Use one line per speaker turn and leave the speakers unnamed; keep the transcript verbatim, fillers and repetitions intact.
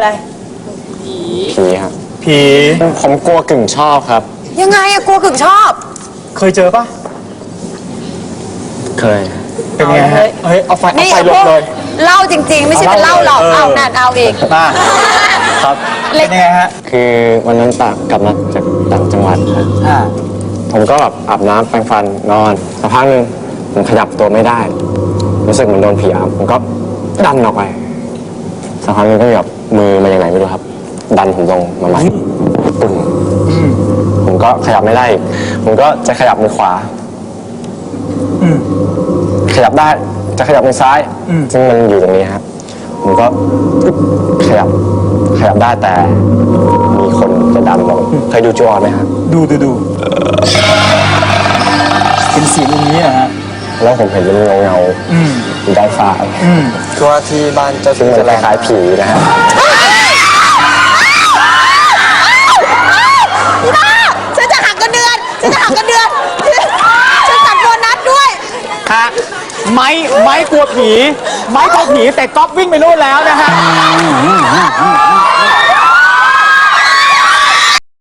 อะไร
ผีครับ
ผี
ผมกลัวกึ่งชอบครับ
ยังไงอะกลัวกึ่งชอบ
เคยเจอปะ
เคย
เป็นไงฮะเฮ้ยเอาไฟเอา
นี่
ไฟลบเลย
เล่าจริงๆ ไม่ใช่เป็นเล่าหรอกเอานั่นเอาอีก
มาครับเป็นยังไงฮะ
คือวันนั้นตากกลับมาจากต่างจังหวัดครับ
อ่า
ผมก็แบบอาบน้ำแปรงฟันนอนสักพักหนึ่งผมขยับตัวไม่ได้ รู้สึกเหมือนโดนผีอำผมก็ดันออกไปสักพักหนึงก็แบบมือมาอย่างไรไม่รู้ครับ ดันผมลงมาใหม่ปึ้งผมก็ขยับไม่ได้อีกผมก็จะขยับมือขวา
อืม
ขยับได้จะขยับมือซ้าย
อืม
ซึ่งมันอยู่ตรงนี้ครับผมก็ขยับขยับได้แต่มีคนจะดันลงเคยดูจูออนไหมครับ
ดูดูดูเป็นเสียงอย่างนี้นะฮะ
แล้วผมเห็นเป็นเงาเงาๆ
อืม
อยู่ด้านซ้าย
อืม
คือว่าที่บ้านเจ้าซึ่งมันคล้ายๆผีนะฮะ
บ้าฉันจะหักกันเดือนฉันจะหักกันเดือนฉันตัดโบนัสด้วย
ฮะไม้ไม้กลัวผี ไม้กลัวผีแต่ก๊อฟวิ่งไปนู่นแล้วนะฮะ